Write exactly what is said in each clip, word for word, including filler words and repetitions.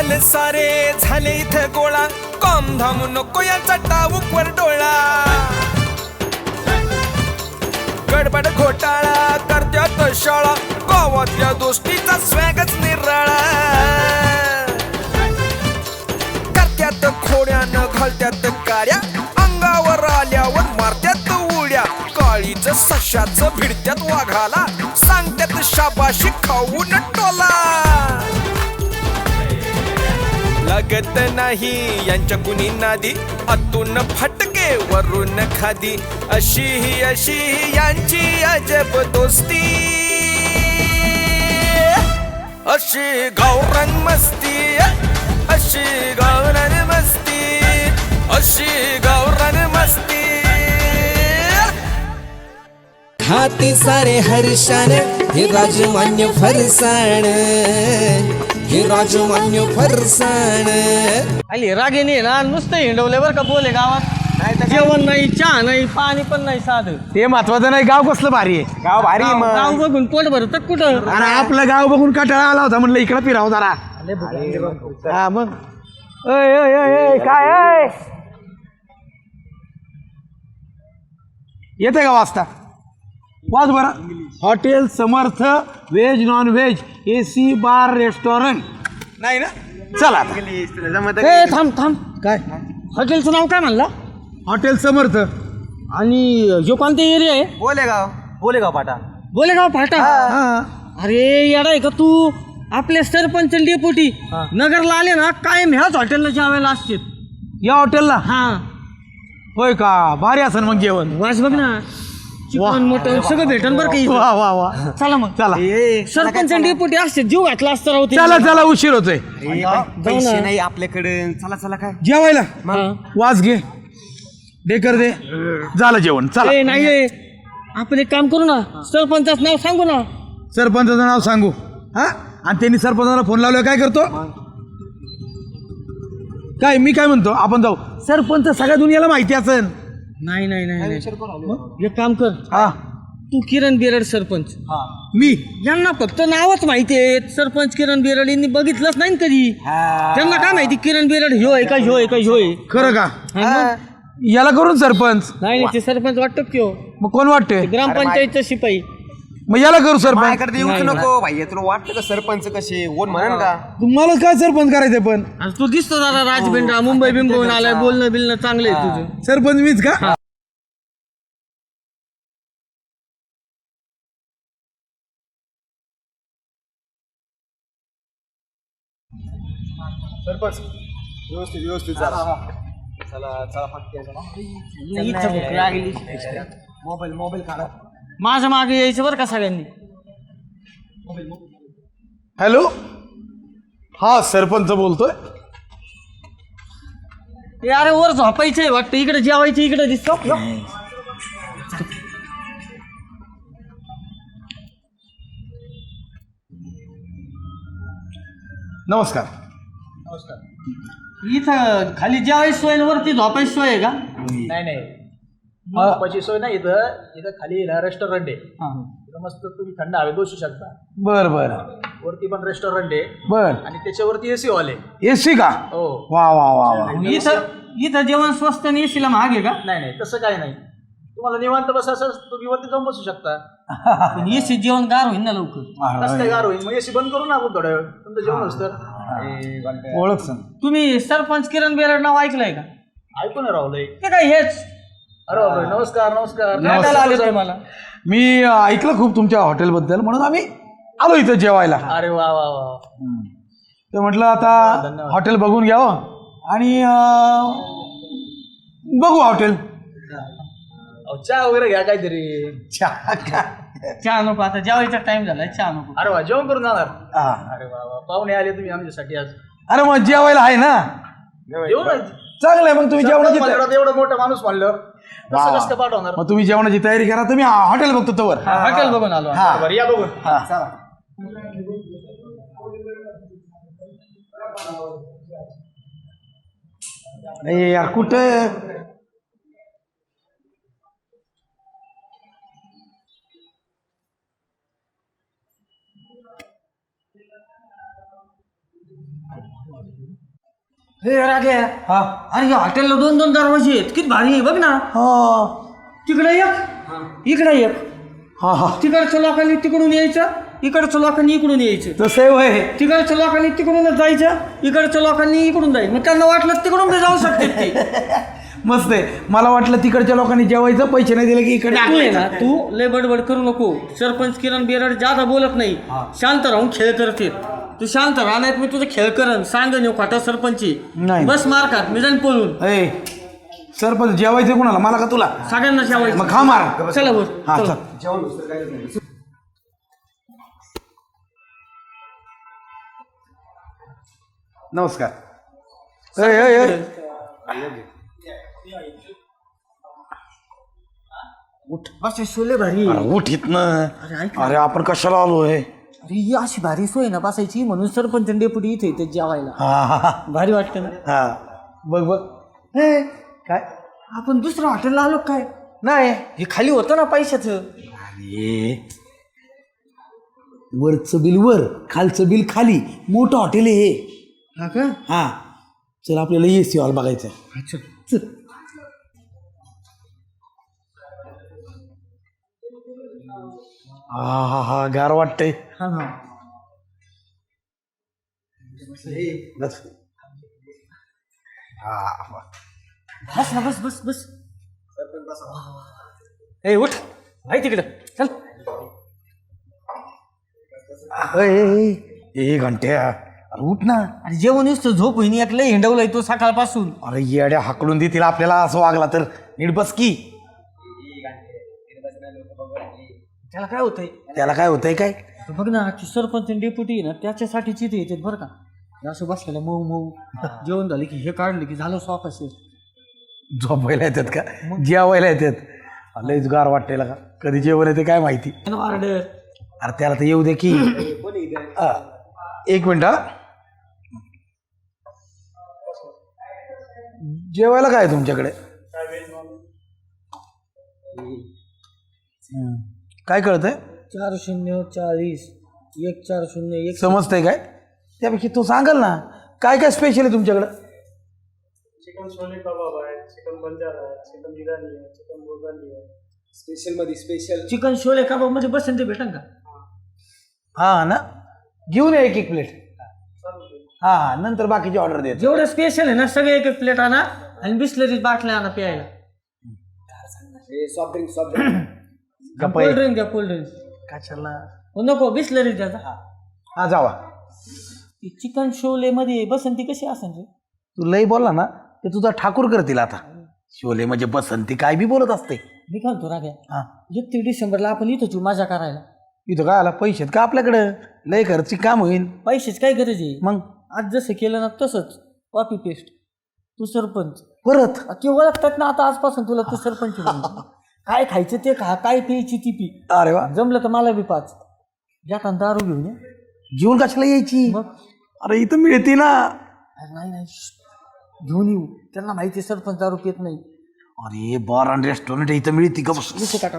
आले सारे झाले इथे गोळा, कॉम धाम नको याचा टाऊकवर डोळा. गडबड घोटाळा करत्यात शाळा, गावातल्या दोस्तीचा स्वॅगच निराळा. करत्यात खोड्यानं घालत्यात काड्या, अंगावर आल्यावर मारत्यात उड्या. काळीच सशाच भिडत्यात वाघाला, सांगत्यात शाबाशी खाऊन टोला. लागत नाही यांच्या कुणी नादी, आतून फटके वरून खादी. अशी ही अशी ही यांची अजब दोस्ती, अशी गावरान मस्ती, अशी गावरान मस्ती, अशी गावरान मस्ती. हाती सारे हर्षान हे राजमान्य फरसाण, हे राजमान्य फरसाण. आली रागिनी ना नुसतं हिंडवले बरं का बोले गावात. जेवण नाही, चहा नाही, पाणी पण नाही साधं. ते महत्वाचं नाही, गाव कसलं भारी आहे. गाव भारी आहे मग. गाव बघून पोट भरत कुठं. आणि आपलं गाव बघून कंटाळा आला होता, म्हणलं इकडं फिरावं जरा. हा मग अय, अय, अय, अय, काय आहे? येते का वाजता? वाज बरं. Hotel Samarth veg non veg A C bar restaurant नाही ना? चला आता. ए, थांब थांब. काय हॉटेलचं नाव काय म्हणला? हॉटेल समर्थ. आणि जो कोणता एरिया आहे? बोलेगाव. बोलेगाव पाटा. बोलेगाव फाटा. हा. अरे येडा आहे का तू? आपले सरपंच डेपुटी नगरला आले ना, कायम ह्याच हॉटेलला जेवायला असते. या हॉटेलला? हा. होय का? भारी असेल मग जेवण. वास बघ ना, चिकन मटन सगळं भेटन बरं काही. वा वा वा. चला मग. चला सरपंच डेपुटी असते, जीव घातला असता राहू. चला चला, उशीर होतोय पैसे नाही आपल्याकडे. चला चला. काय जेवायला. वाज घे, डेकर दे, झालं जेवण. चला. ए नाही रे, आपण एक काम करू ना, सरपंचाचं नाव सांगू ना. सरपंचाचं नाव सांगू. हा, आणि त्यांनी सरपंचाला फोन लावल्यावर काय करतो? काय मी काय म्हणतो, आपण जाऊ. सरपंच सगळ्या दुनियाला माहिती असेल. नाही नाही नाही नाही. एक काम कर, हा, तू किरण बेरड सरपंच. मी यांना फक्त नावच माहिती आहे. सरपंच किरण बेरड यांनी बघितलंच नाही ना कधी. त्यांना काय माहिती किरण बेरड ह्यो आहे का ह्यो आहे का ह्यो आहे. खरं का? हा मग. याला करून सरपंच. नाही नाही, ते सरपंच वाटतो किंवा मग कोण वाटतंय? ग्रामपंचायतचा शिपाई. मग याला करू सरपंच. माझ्याकडे येऊच नको भाई. तुला वाटतं का सरपंच कसे कोण म्हणन का? तुम्हाला काय सरपंच करायचंय? पण आणि तू दिसतो दादा राजबिंडा, मुंबई बिंबवून आलाय, बोलणं बिलणं चांगलं आहे तुझं. सरपंच मीच का? सरपंच व्यवस्थित व्यवस्थित चला चला चला. मोबाईल मोबाईल काढा. माझं मागे यायचं बरं का सगळ्यांनी. हॅलो, हा सरपंच बोलतोय. ते अरे वर झोपायचंय वाटतं, इकडे जेवायचं इकडे दिसतो. नमस्कार. इथं खाली जेवायची सोय आणि वरती झोपायची सोय आहे का? नाही नाही, झोपायची सोय नाही. इथं इथं खाली रेस्टॉरंट आहे. इथं मस्त तुम्ही थंड हवेत बसू शकता. बर बर वरती पण रेस्टॉरंट आहे बर. आणि त्याच्यावरती एसी हॉल आहे. एसी का? हो. वा वा वा वा. इथं इथं जेवण स्वस्त आणि एसीला महाग आहे का? नाही नाही, तसं काही नाही. तुम्हाला निवांत बसायचं तुम्ही वरती जाऊन बसू शकता. एसी जेवण गार होईल ना लवकर. कसं काय गार होईल? मग एसी बंद करू ना आपण थोड्या वेळ, तुमचं जेवण होतं तर. ओळख सांग. तुम्ही सरपंच किरण बेरड नाव ऐकलंय का? ऐकून राहुलय. ते काय हेच? अरे बापरे, नमस्कार नमस्कार. भेटायला आले तुम्हाला. मी अं, ऐकलं खूप तुमच्या हॉटेलबद्दल, म्हणून आम्ही आलो इथं जेवायला. अरे वा वा वा. तर म्हटलं आता हॉटेल बघून घ्यावं आणि अं, बघू हॉटेल. अहो, चहा वगैरे घ्या काहीतरी. चहा का? चहा नको, आता जेवायचा टाइम झालाय, चहा नको. अरे वा, जेवण करून जाणार. हा. अरे वा वा, पाहुणे आले तुम्ही आमच्यासाठी आज. अरे मग जेवायला आहे ना. येऊ ना. चांगलं आहे, मग तुम्ही जेवणाची म्हणलं एवढं मोठं माणूस म्हणलं कसं कसं काय पाठवणार. मग तुम्ही जेवणाची तयारी करा. तुम्ही हॉटेल बघतो तवर. हॉटेल बघून आलो. हा. बरं, या बघून. चला. नाही यार, कुठं हे राग्या हा अरे या हॉटेलला दोन दोन दरवाजे आहेत किती भारी आहे बघ ना. हा तिकडे एक इकडे एक हा हा तिकडच्या लोकांनी तिकडून यायचं, इकडच्या लोकांनी इकडून यायचं. तसं वय तिकडच्या लोकांनी तिकडूनच जायचं, इकडच्या लोकांनी इकडून जायचं. मग त्यांना वाटलं तिकडून बी जाऊ शकते ते. मस्त आहे. मला वाटलं तिकडच्या लोकांनी जेवायचं, पैसे नाही दिले की इकडे तू आहे ना, तू लय बडबड करू नको. सरपंच किरण बेरड जादा बोलत नाही, शांत राहून खेळ करते. तू शांत राहा नाही मी तुझा खेळ करन सांग नेऊ खाटा सरपंची. नाही. बस मार खात मी जाईन पळून. ए सरपंच जेवायचं कोणाला, मला का तुला? सगळ्यांना जेवायचं. मग खा मार. चला बोल. हा चला. चल. नमस्कार. ए, ए, ए. उठ बस सोले भारी. अरे उठ इथनं. अरे ऐक ना. अरे आपण कशाला आलोय? अरे ही अशी भारी सोय ना बसायची म्हणून सरपंच डेपुटी इथे येते जेवायला. हा हा हा भारी वाटतं ना. हा बघ बघ. ए, काय आपण दुसऱ्या हॉटेलला आलो काय? नाही. हे खाली होतं ना पैशाचं. अरे वरचं बिल वर, खालचं बिल खाली, मोठं हॉटेल आहे हे. हा का? हा चल आपल्याला ए सी हॉल बघायचं. अच्छा चल. हा हा हा गार वाटतंय. हा हा बस. हा बस ना बस बस बस. ए उठ आहे तिकडं चल. ए, ए, ए, ए घंट्या अरे उठ ना. अरे जेवण येऊस तर झोप होईन एक लय हिंडवलाय तो सकाळपासून. अरे येड्या हाकलून देतील आपल्याला असं वागला तर. नीट बस की. त्याला काय होतंय? त्याला काय होतंय काय? तर बघ ना की सरपंच डेप्युटी ना त्याच्यासाठीच इथे येतात बरं का. हे असं बसलेलं मऊ मऊ जेवण झालं की हे काढलं की झालं स्वापास. झोपायला येतात का? जेवायला येतात. लयच गार वाटतेला का? कधी जेवण येते काय माहिती. ऑर्डर. अरे त्याला तर येऊ दे की. आ, एक मिनिट हा. जेवायला काय आहे तुमच्याकडे? हम्म. काय कळतंय? चार शून्य चाळीस एक चार शून्य एक. समजतंय काय? त्यापैकी तू सांगाल ना काय काय स्पेशल आहे तुमच्याकडं? चिकन छोले कबाब आहे, चिकन बंजारा आहे, चिकन बिर्याणी आहे, चिकन बोगाली आहे. स्पेशल मध्ये स्पेशल चिकन शोले कबाब मध्ये बसेल ते भेटन का? हा ना घेऊन ये एक एक प्लेट. हा हा नंतर बाकीची ऑर्डर दे. जेवढं स्पेशल आहे ना सगळे एक एक प्लेट आणा आणि बिस्लरीज बाटल्या आणा प्यायला. Soft drink soft drink cold drink द्या कोल्ड ड्रिंक. कशाला? नको बिस्लरीज द्या. हा जावा. चिकन शोले मध्ये बसंती कशी असेल रे? तू लई बोलला ना ते तुझा ठाकूर करतील आता. शोले म्हणजे बसंती काय बी बोलत असते. मी काय म्हणतो राग्या हा एकतीस डिसेंबरला आपण इथंच येऊ मजा करायला. इथं काय आला पैसे आहेत का आपल्याकडं? लय खर्ची काम होईल. पैशाची काय गरज आहे? मग आज जसं केलं ना तसंच कॉपी पेस्ट. तू सरपंच परत ते ओळखतात ना आता आजपासून तुला तू सरपंच म्हणून. काय खायचं ते खा, काय प्यायची ती पी. अरे वा. जमलं तर मला बी पाच. जाताना दारू घेऊन ये. जीवन कशाला यायची? मग अरे इथं मिळते ना. अरे नाही नाही श्श्श. घेऊन येऊ. त्यांना माहिती आहे सरपंच दारू पित नाही. अरे बार आणि रेस्टॉरंट इथं मिळते का? बस. विषय टाका.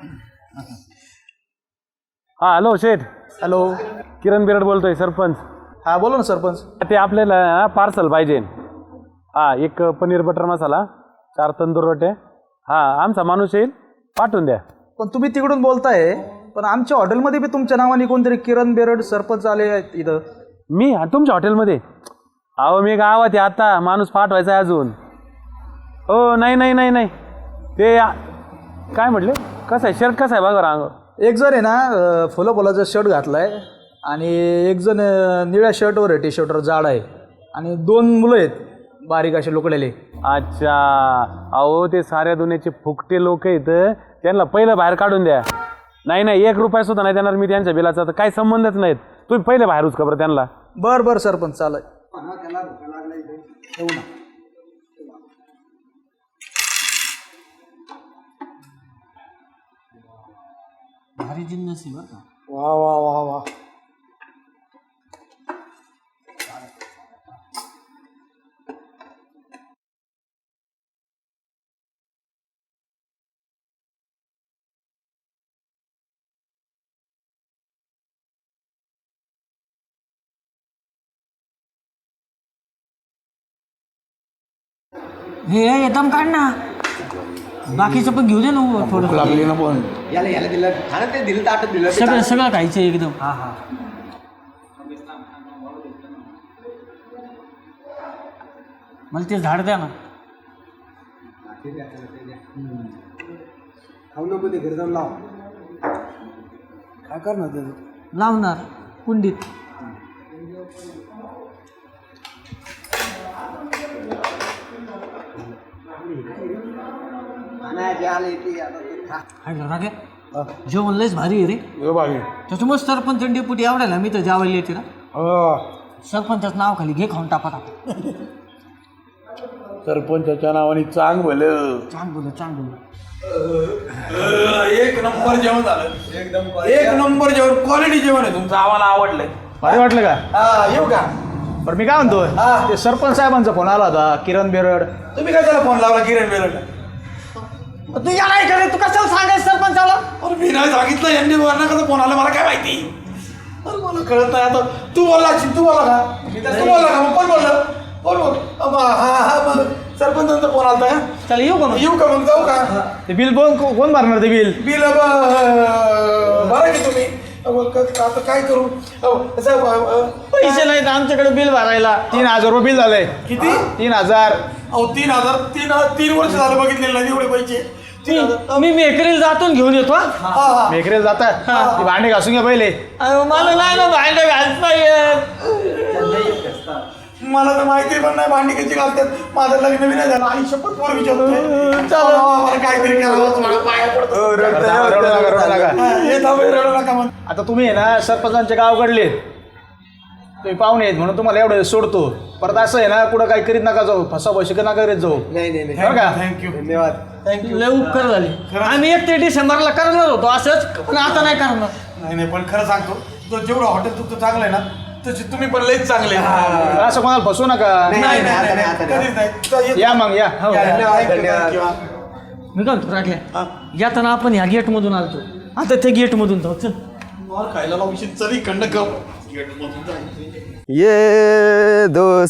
हा हॅलो शेठ, हॅलो. किरण बिरड बोलतोय सरपंच. हा बोला ना सरपंच. ते आपल्याला पार्सल पाहिजे. हा एक पनीर बटर मसाला, चार तंदूर रोटे. हा आमचा माणूस येईल, पाठवून द्या. पण तुम्ही तिकडून बोलताय पण आमच्या हॉटेलमध्ये बी तुमच्या नावाने कोणतरी किरण बेरड सरपंच आले आहेत इथं. मी तुमच्या हॉटेलमध्ये? अहो मी गावात आहे आता, माणूस पाठवायचा आहे अजून. हो नाही नाही नाही नाही ते काय म्हटले? कसं आहे शर्ट कसं आहे बघा रांग. एक जण आहे ना फुलं फुलाचा शर्ट घातलाय आणि एक जण अं, निळ्या शर्टवर आहे, टी शर्टवर जाड आहे आणि दोन मुलं आहेत बारीक असे लोकलेले. अच्छा अहो ते साऱ्या दुनियाचे फुकटे लोक आहेत, त्यांना पहिलं बाहेर काढून द्या. नाही नाही एक रुपया सुद्धा नाही देणार मी त्यांच्या बिलाचा. तर काही संबंधच नाहीत. तुम्ही पहिले बाहेरच खबर त्यांना. बर बर सरपंच चालेल. भारी जिन्नस आहे बरं का. वा वा वा वा. हे एकदम काढ ना, बाकीचं पण घेऊ दे ना थोडं. लागली ना पण याला याला दिलं खाणं ते दिलं ताटत दिलं ते सगळं सगळं खायचं एकदम. हा हा मला ते झाड द्या ना. खाऊ नको ते घरी जाऊन लाव. काय करणार त्याचं? लावणार कुंडीत. खाण्याचे आले ते आता ते खा. काय झालं रे? जेवण लयच भारी आहे रे. हे बागे त्याच्यामुळे सरपंच डेपुटी आवडायला मी तर जेवायला येते ना. सरपंचाचं नाव खाली घे खाऊन टाका टाका. सरपंचाच्या नावाने चांग भलं. चांग बोल चांग बोल. एक नंबर जेवण झालं. एकदम एक नंबर जेवण, क्वालिटी जेवण आहे तुमचं. आम्हाला आवडलंय. भारी वाटलं का? हा येऊ का? बरं मी काय म्हणतो, ते सरपंच साहेबांचा फोन आला होता, किरण बेरड. तुम्ही काय त्याला फोन लावला किरण बेरड? तू याला ऐकलं, तू कशाला सांगायचं सरपंचाला? अरे मी नाही सांगितलं, यांनी वरना कसं फोन आला मला काय माहिती. अरे मला कळत नाही आता. तू बोलला तू बोला का? तू बोलला का? मग कोण बोललं? कोण बोल? हा हा मग सरपंचांचा फोन आलता का? चला येऊ का मग? येऊ का मग? जाऊ का? ते बिल कोण कोण भरणार ते बिल? बिल भरा की तुम्ही. अहो, क- आता काय करू? अहो, असं, अ, अ, पैसे नाहीत आमच्याकडे बिल भरायला. तीन हजार रुपये बिल झालंय. किती? तीन हजार. अहो तीन हजार तीन तीन वर्ष झालं बघितलेलं नाही एवढे पैसे. तीन हजार. मी मेकरीला जातून घेऊन येतो हा. हा हा मेकरेल जातात, ती भांडे घासून घ्या पहिले. अहो, मला नाही ना भांडे घालता येत. मला तर माहिती पण नाही भांडी कशी घालतात. माझं लग्न बी नाही झालं. आई शपथ पोर विचारतोय. मला काहीतरी करावं, मला पाया पडतो. रडू नका, रडू नका, रडू नका. हा, हे थांब, हे रडू नका मग. आता तुम्ही आहे ना सरपंचांचे गावकडले, तुम्ही पाहुणे आहेत म्हणून तुम्हाला एवढं सोडतो. परत असं आहे ना, कुठं काही करीत नका जाऊ, फसा पैसे नका करीत जाऊ. नाही नाही बरं का? थँक्यू. धन्यवाद. लय उपकार झाले. आम्ही एक ते डिसेंबरला करणार होतो असंच, पण आता नाही करणार. नाही नाही पण खरं सांगतो, तो जेवढं हॉटेल तुमचं चांगलं आहे ना, तसे तुम्ही पण लईच चांगले. असं कोणाला फसवू नका. नाही नाही नाही, आता नाही, नाही, आता नाही. कधीच नाही. तर ये- या मग या. हो. धन्यवाद, धन्यवाद. धन्यवाद. मी काय म्हणतो राखल्या, येताना आपण ह्या गेट मधून आलतो, आता ते गेट मधून जाऊ. चल. मार खायला लावशी चल इकडनं गप. गेटमधून जायचं. ये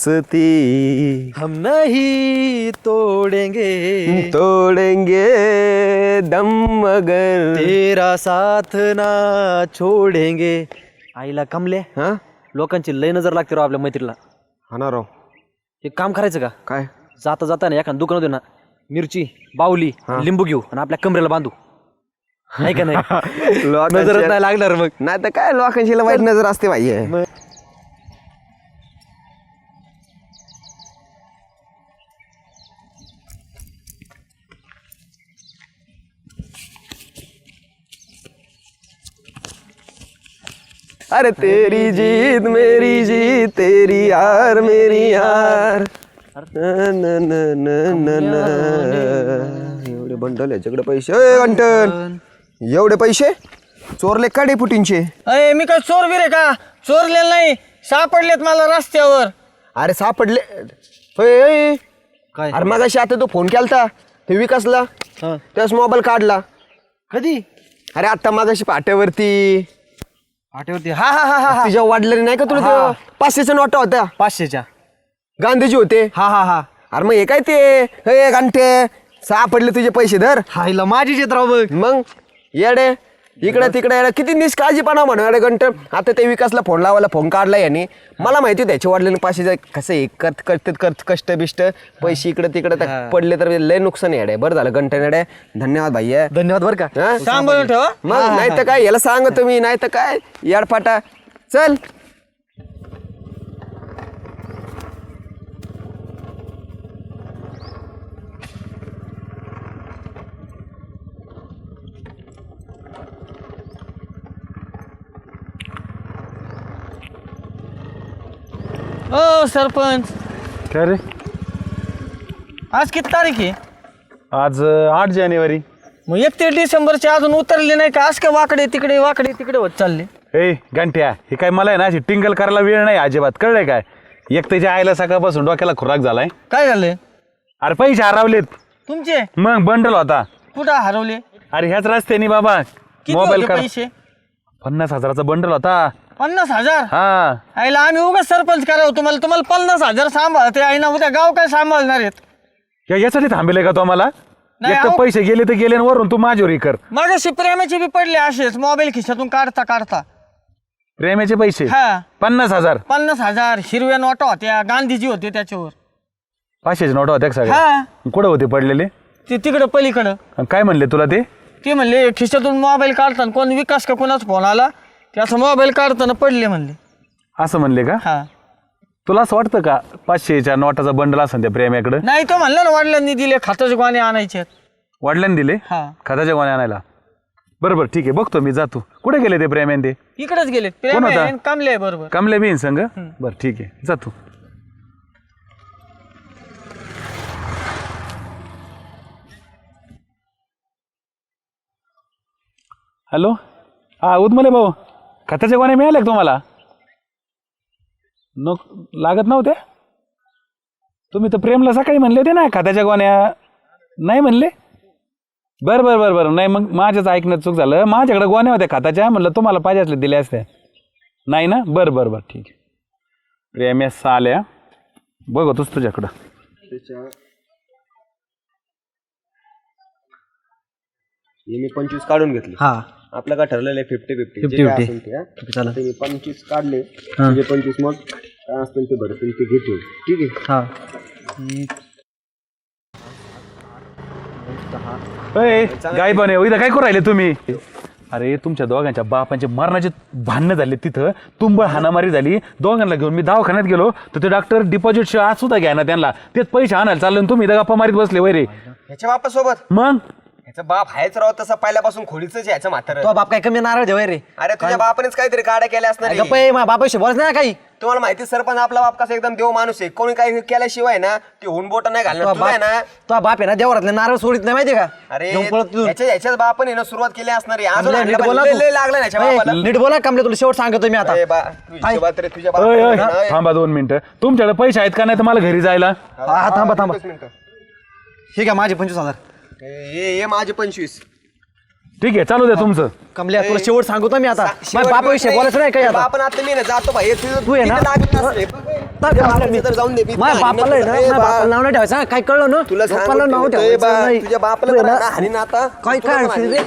दोस्ती हम नहीं तोड़ेंगे तोड़ेंगे दम मगर तेरा साथ ना छोड़ेंगे. आईला कमले, हा लोकांची लय नजर लागते राव आपल्या मैत्रीला. हा ना राव. एक काम करायचं का, काय जाता जाता ना एखाद्या दुकानात ना मिरची बावली लिंबू घेऊ आणि आपल्या कमरेला बांधू. नाही का नाही? नजरच नाही लागणार मग. नाही तर काय लोकांची वाईट नजर असते भाई. अरे तेरी जीत मेरी जीत तेरी यार मेरी यार. न न न न न न. एवढे बंडल याच्याकडे पैसे. ए गंटन, एवढे पैसे चोरले का डेपुटींचे? अरे मी काय चोर बिरे का? चोरलेलं नाही, सापडलेत मला रस्त्यावर. अरे सापडले. होय, होय. काय? अरे मगाशी आता तो फोन केलता ते विकासला, त्याच मोबाईल काढला. कधी? अरे आता मगाशी पाट्यावरती आठवते. हा हा हा हा तुझ्या वाढलं नाही का तुला ते पाचशेच्या नोटा होत्या, पाचशेच्या. गांधीजी होते. हा हा हा अरे मग हे काय ते हे गांठे सापडले तुझे पैसे धर. हायला माझी येत राव बघ. मग येडे इकडे तिकडे येडे किती निष्काळजीपणा म्हणून अरे गंट. आता ते विकासला फोन लावायला फोन काढला याने. मला माहिती त्याचे वाढलेले पाचशे कसं एक करत करतात करत कष्ट बिष्ट पैसे इकडे तिकडे तर पडले तर लय नुकसान येडे. बरं झालं गंट येडे. धन्यवाद भाई. धन्यवाद बरं का. हा? सांभाळून ठेवा. मग नाही तर काय याला सांग तुम्ही, नाही तर काय याडपाटा. चल ओ सरपंच, काय रे? आज किती तारीख आहे? आज अं, आठ जानेवारी. मग एकतीस डिसेंबरचे अजून उतरले नाही का? आज का वाकडे तिकडे वाकडे तिकडे होत चालले. ए घंट्या, हे काय मला आहे ना अशी टिंगल करायला वेळ नाही अजिबात, कळलंय काय? एक त्याच्या आईला सकाळपासून डोक्याला खुराक झालाय. काय झालंय? अरे पैसे हरवलेत. तुमचे मग बंडल होता. कुठं हरवले? अरे ह्याच रस्त्याने बाबा किती मोबाईल होते काढ. पैसे? पन्नास हजाराचा बंडल होता. पन्नास हजार? हा आईला आम्ही उगाच सरपंच करावं तुम्हाला. तुम्हाला पन्नास हजार सांभाळते आई ना, उद्या गाव काय सांभाळणार आहेत? या- यासाठी थांबेल का तो आम्हाला नाही, एक तर अहो. पैसे गेले तर गेले आणि वरून तू माझ्यावर हे कर मग प्रेमाचे बी पडले असेच मोबाईल खिशातून काढता काढता प्रेमाचे पैसे हा पन्नास हजार पन्नास हजार हिरव्या नोटा होत्या गांधीजी होते त्याच्यावर पाचशेचे नोट होत्या का सगळ्या हा कुठं होते पडलेले ते तिकडं पलीकडं आणि काय म्हणले तुला ते ते म्हणले खिशातून मोबाईल काढताना कोण विकास का कोणाचा फोन आला त्याचा मोबाईल काढताना पडले म्हणले असं म्हणले का हा तुला असं वाटतं का पाचशेच्या नोटाचा बंडल असेल त्या प्रेमाकडे नाही तो म्हणला ना वडिलांनी दिले खात्याचे गोणे आणायचे वडिलांनी दिले हा खताच्या गोण्या आणायला बरोबर ठीक आहे बघतो मी जातो कुठे गेले ते प्रेमान ते इकडेच गेले कोण प्रेम होता? आहे, कमले आहे बरोबर कमले बीन संग बरं ठीक आहे जातो हॅलो हा उदमले भाऊ खताच्या गोण्या मिळाल्या का तुम्हाला नको लागत नव्हत्या तुम्ही तर प्रेमला सकाळी म्हणले होते ना खताच्या गोण्या नाही म्हणले बरं बरं बरं बरं नाही मग माझ्याच ऐकण्यात चूक झालं माझ्याकडे गोण्या होत्या खताच्या म्हणलं तुम्हाला पाहिजे असल्या दिल्या असत्या नाही ना बरं बरं बरं ठीक आहे प्रेम या साल्या बघतोच तुझ्याकडं हे मी पंचवीस काढून घेतले हा आपलं काय ठरलेलं आहे फिफ्टी फिफ्टी फिफ्टी फिफ्टी चला मी पंचवीस काढले म्हणजे पंचवीस मग काय असतील ते भरतील ते घेतो ठीक आहे हा अय, गाय पण आहे इथं काय करू राहिले तुम्ही अरे तुमच्या दोघांच्या बापांचे मरणाचे भांडणं झाले तिथं तुंबळ हाणामारी झाली दोघांना घेऊन मी दवाखान्यात गेलो तर ते डॉक्टर डिपॉझिट आज सुद्धा घ्या ना त्यांना तेच पैसे आणायला चालले आणि तुम्ही इथं गप्पा मारीत बसले वैरे ह्याच्या बापासोबत मग ह्याचा बाप हायच राव तसा पहिल्यापासून खोडीच आहे ह्याचं म्हातारं तो बाप काय कमी नारळ देवाय रे अरे तुझ्या बापानेच काहीतरी काड्या केल्या असणार आहे. गप्पा माझ्या बापाशी बोलत नाही ना काही तुम्हाला माहिती आहे, सरपंच आपला बाप कसा एकदम देव माणूस आहे कोणी काही केल्याशिवाय ना ते हुन बोट नाही तो घालणार तुला आहे ना बाप तो बाप आहे ना देवरातले नारळ सोडित नाही माहिती का अरे घेऊन पळत तू. ह्याच्या ह्याच्याच बापाने ना सुरुवात केली असणार आहे अजून कमले, आणलं नीट पण बोला लय- तू. लय लागलं ना ह्याच्या ए, बापाला नीट बोला कमले तुला शेवट सांगतो मी आता ए बा, तू हिशोबात रे, तुझ्या अय, अय, बापाला थांबा दोन मिनिटं तुमच्याकडे पैसे आहेत का नाही तर मला घरी जायला हा हा, थांबा थांबा एकच मिनिटं. ठीक आहे माझे पंचवीस हजार हे हे माझे पंचवीस ठीक आहे चालू द्या तुमचं कमल्या तुला शेवट सांगतो मी आता शेवट माझ्या बापाविषयी नाही. बोलायचं नाही काही आता बापन आता मी ना जातो भाई तुझं तू आहे ना? तिथं लागत नसले. तर कमल्या, मी तर जाऊन दे मी माझ्या बापाला आहे ना ए माझ्या बा, बापाला नाव नाही ठेवायचं हा, काय कळलं ना तुला बापाला नाव सांगतो, ए बा, ठेवायचं नाही तुझ्या बापाला तू आहे तर ना? ना हाणीन आता काय तुला काय पण अडचण हाणीन. रे?